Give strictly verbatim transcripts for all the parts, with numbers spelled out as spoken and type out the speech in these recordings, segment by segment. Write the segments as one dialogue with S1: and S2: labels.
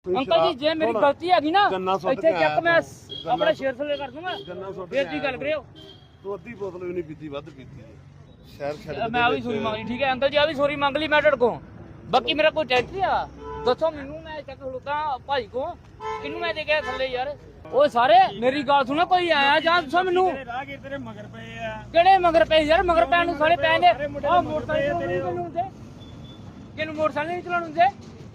S1: Uncle जी जे मेरी गलती हैगी ना ਇੱਥੇ ਚੱਕ ਮੈਂ ਆਪਣਾ ਸ਼ੇਰ ਥੱਲੇ ਕਰ ਦੂੰਗਾ ਫੇਰ ਦੀ ਗੱਲ ਕਰਿਓ
S2: ਤੂੰ ਅੱਧੀ ਬੋਤਲ ਵੀ ਨਹੀਂ ਪੀਤੀ ਵੱਧ ਪੀਤੀ ਹੈ ਸ਼ਹਿਰ ਛੱਡ
S1: ਮੈਂ ਆ ਵੀ ਸੋਰੀ ਮੰਗਣੀ ਠੀਕ ਹੈ ਅੰਕਲ ਜੀ ਆ ਵੀ ਸੋਰੀ ਮੰਗ ਲਈ ਮੈਂ ਤੁਹਾਡੇ ਕੋਲ ਬਾਕੀ ਮੇਰਾ ਕੋਈ ਟੈਂਸ਼ਨ ਆ ਦੱਸੋ ਮੈਨੂੰ ਮੈਂ ਚੱਕ ਖਲੋਤਾ ਭਾਈ ਕੋ ਕਿਹਨੂੰ ਮੈਂ ਦੇ ਗਿਆ ਥੱਲੇ ਯਾਰ ਉਹ ਸਾਰੇ ਮੇਰੀ ਗੱਲ ਸੁਣੋ ਕੋਈ ਆਇਆ ਜਾਂ ਦੱਸੋ ਮੈਨੂੰ
S3: ਰਾਹਗੀਰ ਤੇਰੇ ਮਗਰ ਪਏ ਆ
S1: ਕਿਹੜੇ ਮਗਰ ਪਏ ਯਾਰ ਮਗਰ ਪੈਣ ਨੂੰ ਸਾਰੇ ਪੈ ਨੇ ਆ ਮੋਟਰਸਾਈਕਲ ਕਿਹਨੂੰ ਹੁੰਦੇ ਕਿਹਨੂੰ ਮੋਟਰਸਾਈਕਲ ਨਹੀਂ ਚਲਾਉਣ ਹੁੰਦੇ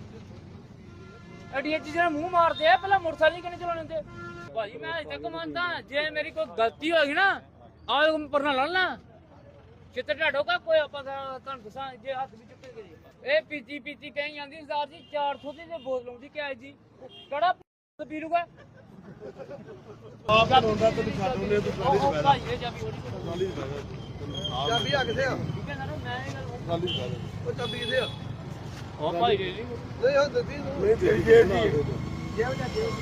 S1: ਅੜੀਆਂ ਚੀਜ਼ਾਂ ਮੂੰਹ ਮਾਰਦੇ ਆ ਪਹਿਲਾਂ ਮੋਟਰਸਾਈਕਲ ਕਿਹਨੇ ਚਲਾਉਣ ਹੁੰਦੇ ਭਾਜੀ ਮੈਂ ਅਜੇ ਤੱਕ ਮੰਨਦਾ ਜੇ ਮੇਰੀ ਕੋਈ ਗਲਤੀ ਹੋਏਗੀ ਨਾ ਆਹ ਪਰਨਾ ਲੜਨਾ ਕਿਤੇ ਢਾਡੋ ਕਾ ਕੋਈ ਆਪਾਂ ਤੁਹਾਨੂੰ ਦੱਸਾਂ ਜੇ ਹੱਥ ਵੀ ਚੁੱਕੇ ਗਏ ਇਹ ਪੀਤੀ ਪੀਤੀ ਕਹੀਂ ਜਾਂਦੀ ਸਰਦਾਰ ਜੀ ਚਾਰ ਸੌ ਦੀ ਤੇ ਬੋਤਲ ਆਉਂਦੀ ਕਿਆ ਜੀ ਕਿਹੜਾ ਪੀ ਲੂਗਾ
S2: ਆਪ ਰੋਂਦਾ ਤੈਨੂੰ ਛੱਡ ਉਹਨੇ ਤੂੰ ਟਰਾਲੀ ਚ ਬੈਠ
S1: ਭਾਈ ਇਹ ਚਾਬੀ ਹੋਣੀ
S2: ਟਰਾਲੀ ਚ ਬੈਠ
S4: ਚਾਬੀ ਆ ਕਿੱਥੇ ਆ
S1: ਠੀਕ ਹੈ ਨਾ ਮੈਂ ਇਹ ਗੱਲ
S2: ਟਰਾਲੀ ਚ ਬੈਠ
S4: ਉਹ ਚਾਬੀ ਕਿੱਥੇ ਆ
S1: ਉਹ ਭਾਈ ਜੀ
S4: ਨਹੀਂ ਹਾਂ ਦਿੱਤੀ ਨੂੰ
S2: ਨਹੀਂ ਤੇਰੀ ਜੇਬ ਦੀ
S4: ਜੇਬ ਜਾ ਜੇਬ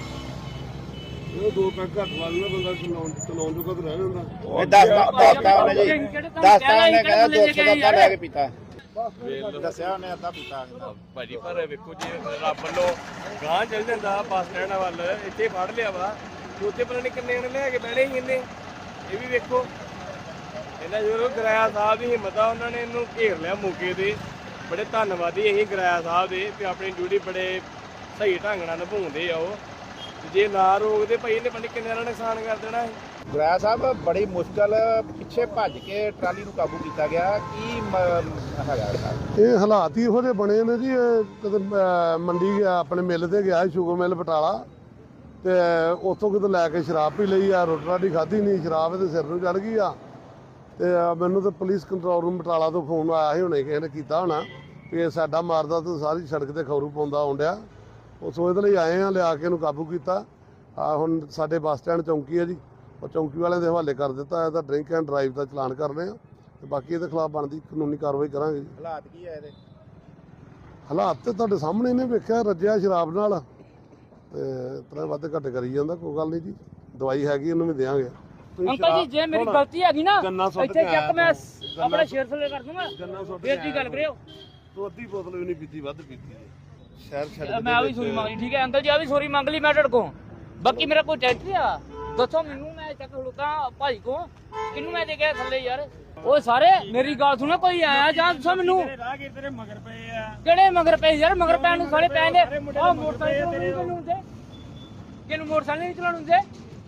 S2: ਉਹ ਦੋ ਪੈਕ ਘੱਟ ਲਾ ਲੈਣਾ ਬੰਦਾ ਚਲਾਉਣ ਚਲਾਉਣ ਜੋਗਾ ਤਾਂ ਰਹਿ ਜਾਂਦਾ
S5: ਇਹ ਦਸ ਦਸਤਾ ਉਹਨੇ ਜੀ ਦਸਤਾ ਉਹਨੇ ਕਹਿੰਦਾ ਦੋ ਸੌ ਦਾ ਲੈ ਕੇ ਪੀਤਾ ਦੱਸਿਆ ਉਹਨੇ ਅੱਧਾ ਪੀਤਾ
S3: ਭਾਜੀ ਪਰ ਵੇਖੋ ਜੀ ਰੱਬ ਵੱਲੋਂ ਗਾਂ ਚੱਲ ਜਾਂਦਾ ਬੱਸ ਸਟੈਂਡ ਵੱਲ ਇੱਥੇ ਫੜ ਲਿਆ ਵਾ ਤੇ ਉੱਥੇ ਪਤਾ ਨਹੀਂ ਕਿੰਨੇ ਜਣੇ ਲੈ ਕੇ ਬਹਿਣੇ ਸੀ ਇਹਨੇ ਇਹ ਵੀ ਵੇਖੋ ਇਹਨਾਂ ਜਦੋਂ ਗਰਾਇਆ ਸਾਹਿਬ ਦੀ ਹਿੰਮਤ ਆ ਉਹਨਾਂ ਨੇ ਇਹਨੂੰ ਘੇਰ ਲਿਆ ਮੌਕੇ ਤੇ ਬੜੇ ਧੰਨਵਾਦੀ ਅਸੀਂ ਗਰਾਇਆ ਸਾਹਿਬ ਦੇ ਵੀ ਆਪਣੀ ਡਿਊਟੀ ਬੜੇ ਸਹੀ ਢੰਗ ਨਾਲ ਨਿਭਾਉਂਦੇ ਆ ਉਹ ਜੇ ਨਾ ਰੋਕਦੇ ਭਾਈ ਇਹਨੇ ਪਤਾ ਕਿੰਨੇ ਦਾ ਨੁਕਸਾਨ ਕਰ ਦੇਣਾ ਸੀ
S5: ਗੁਰਾਇਆ ਸਾਹਿਬ ਬੜੀ ਮੁਸ਼ਕਲ ਪਿੱਛੇ ਭੱਜ ਕੇ ਟਰਾਲੀ ਨੂੰ ਕਾਬੂ ਕੀਤਾ ਗਿਆ ਕੀ ਮ- ਹੈਗਾ ਇਹਦਾ?
S2: ਇਹ ਹਾਲਾਤ ਹੀ ਇਹੋ ਜਿਹੇ ਬਣੇ ਨੇ ਜੀ ਇਹ ਕਦੇ ਅਹ, ਮੰਡੀ ਗਿਆ ਆਪਣੇ ਮਿੱਲ ਤੇ ਗਿਆ ਸ਼ੂਗਰ ਮਿੱਲ ਬਟਾਲਾ ਤੇ ਉੱਥੋਂ ਕਿਤੇ ਲੈ ਕੇ ਸ਼ਰਾਬ ਪੀ ਲਈ ਆ ਰੋਟੀ ਰਾਟੀ ਖਾਧੀ ਨਹੀਂ ਸ਼ਰਾਬ ਇਹਦੇ ਸਿਰ ਨੂੰ ਚੜ ਗਈ ਆ ਤੇ ਅਹ, ਮੈਨੂੰ ਤਾਂ ਪੁਲਿਸ ਕੰਟਰੋਲ ਰੂਮ ਬਟਾਲਾ ਤੋਂ ਫੋਨ ਆਇਆ ਸੀ ਹੁਣੇ ਕਿਸੇ ਨੇ ਕੀਤਾ ਹੋਣਾ ਵੀ ਇਹ ਸਾਡਾ ਮਾਰਦਾ ਤਾਂ ਸਾਰੀ ਸੜਕ ਤੇ ਖੌਰੂ ਪਾਉਂਦਾ ਆਉਂਦਿਆ ਉਸ ਉਹਦੇ ਲਈ ਆਏ ਆ ਲਿਆ ਕੇ ਇਹਨੂੰ ਕਾਬੂ ਕੀਤਾ ਆ ਹੁਣ ਸਾਡੇ ਬੱਸ ਸਟੈਂਡ ਚੌਂਕੀ ਹੈ ਜੀ ਉਹ ਚੌਂਕੀ ਵਾਲਿਆਂ ਦੇ ਹਵਾਲੇ ਕਰ ਦਿੱਤਾ ਇਹਦਾ ਡਰਿੰਕ ਐਂਡ ਡਰਾਈਵ ਦਾ ਚਲਾਨ ਕਰਨੇ ਆ ਤੇ ਬਾਕੀ ਇਹਦੇ ਖਿਲਾਫ ਬਣਦੀ ਕਾਨੂੰਨੀ ਕਾਰਵਾਈ ਕਰਾਂਗੇ ਜੀ
S5: ਹਾਲਾਤ ਕੀ ਹੈ ਇਹਦੇ
S2: ਹਾਲਾਤ ਤੇ ਤੁਹਾਡੇ ਸਾਹਮਣੇ ਨੇ ਵੇਖਿਆ ਰੱਜਿਆ ਸ਼ਰਾਬ ਨਾਲ ਤੇ ਤਰ੍ਹਾਂ ਵੱਧ ਘੱਟ ਕਰੀ ਜਾਂਦਾ ਕੋਈ ਗੱਲ ਨਹੀਂ ਜੀ ਦਵਾਈ ਹੈਗੀ ਉਹਨੂੰ ਵੀ ਦੇਵਾਂਗੇ
S1: ਅੰਕਲ ਜੀ ਜੇ ਮੇਰੀ ਗਲਤੀ ਹੈਗੀ ਨਾ ਇੱਥੇ ਚੱਕ ਮੈਂ ਆਪਣਾ ਸ਼ੇਰ ਥੱਲੇ ਕਰ ਦੂੰਗਾ ਫੇਰ ਦੀ ਗੱਲ ਕਰਿਓ
S2: ਤੂੰ ਅੱਧੀ ਬੋਤਲ ਵੀ ਨਹੀਂ ਪੀਤੀ ਵੱਧ ਪੀਤੀ ਹੈ ਸ਼ਹਿਰ ਛੱਡ
S1: ਮੈਂ ਆ ਵੀ ਸੋਰੀ ਮੰਗਣੀ ਠੀਕ ਹੈ ਅੰਕਲ ਜੀ ਆ ਵੀ ਸੋਰੀ ਮੰਗ ਲਈ ਮੈਂ ਤੁਹਾਡੇ ਕੋਲ ਬਾਕੀ ਮੇਰਾ ਕੋਈ ਟੈਂਸ਼ਨ ਆ ਦੱਸੋ ਮੈਨੂੰ ਮੈਂ ਚੱਕ ਖਲੋਤਾ ਭਾਈ ਕੋ ਕਿਹਨੂੰ ਮੈਂ ਦੇ ਗਿਆ ਥੱਲੇ ਯਾਰ ਉਹ ਸਾਰੇ ਮੇਰੀ ਗੱਲ ਸੁਣੋ ਕੋਈ ਆਇਆ ਜਾਂ ਦੱਸੋ ਮੈਨੂੰ
S3: ਰਾਹਗੀਰ ਤੇਰੇ ਮਗਰ ਪਏ ਆ
S1: ਕਿਹੜੇ ਮਗਰ ਪਏ ਯਾਰ ਮਗਰ ਪੈਣ ਨੂੰ ਸਾਰੇ ਪੈ ਨੇ ਆ ਮੋਟਰਸਾਈਕਲ ਕਿਹਨੂੰ ਹੁੰਦੇ ਕਿਹਨੂੰ ਮੋਟਰਸਾਈਕਲ ਨਹੀਂ ਚਲਾਉਣ ਹੁੰਦੇ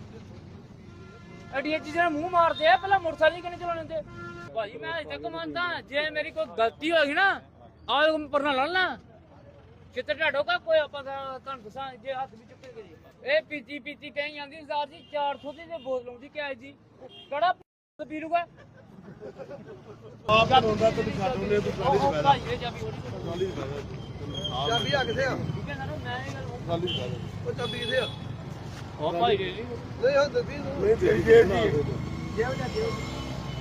S1: ਅੜੀਆਂ ਚੀਜ਼ਾਂ ਮੂੰਹ ਮਾਰਦੇ ਆ ਪਹਿਲਾਂ ਮੋਟਰਸਾਈਕਲ ਕਿਹਨੇ ਚਲਾਉਣ ਹੁੰਦੇ ਭਾਜੀ ਮੈਂ ਅਜੇ ਤੱਕ ਮੰਨਦਾ ਜੇ ਮੇਰੀ ਕੋਈ ਗਲਤੀ ਹੋਏਗੀ ਨਾ ਆਹ ਪਰਨਾ ਲੜਨਾ ਕਿਤੇ ਢਾਡੋ ਕਾ ਕੋਈ ਆਪਾਂ ਤੁਹਾਨੂੰ ਦੱਸਾਂ ਜੇ ਹੱਥ ਵੀ ਚੁੱਕੇ ਗਏ ਇਹ ਪੀਤੀ ਪੀਤੀ ਕਹੀਂ ਜਾਂਦੀ ਸਰਦਾਰ ਜੀ ਚਾਰ ਸੌ ਦੀ ਤੇ ਬੋਤਲ ਆਉਂਦੀ ਕਿਆ ਜੀ ਕਿਹੜਾ ਪੀ ਲੂਗਾ
S2: ਆਪ ਰੋਂਦਾ ਤੈਨੂੰ ਛੱਡ ਉਹਨੇ ਤੂੰ ਟਰਾਲੀ ਚ ਬੈਠ
S1: ਭਾਈ ਇਹ ਚਾਬੀ ਹੋਣੀ
S2: ਟਰਾਲੀ ਚ ਬੈਠ
S4: ਚਾਬੀ ਆ ਕਿੱਥੇ ਆ
S1: ਠੀਕ ਹੈ ਨਾ ਮੈਂ ਇਹ ਗੱਲ
S2: ਟਰਾਲੀ ਚ ਬੈਠ
S4: ਉਹ ਚਾਬੀ ਕਿੱਥੇ ਆ
S1: ਉਹ ਭਾਈ ਜੀ
S4: ਨਹੀਂ ਹਾਂ ਦਿੱਤੀ ਨੂੰ
S2: ਨਹੀਂ ਤੇਰੀ ਜੇਬ ਦੀ
S4: ਜੇਬ ਜਾ ਜੇਬ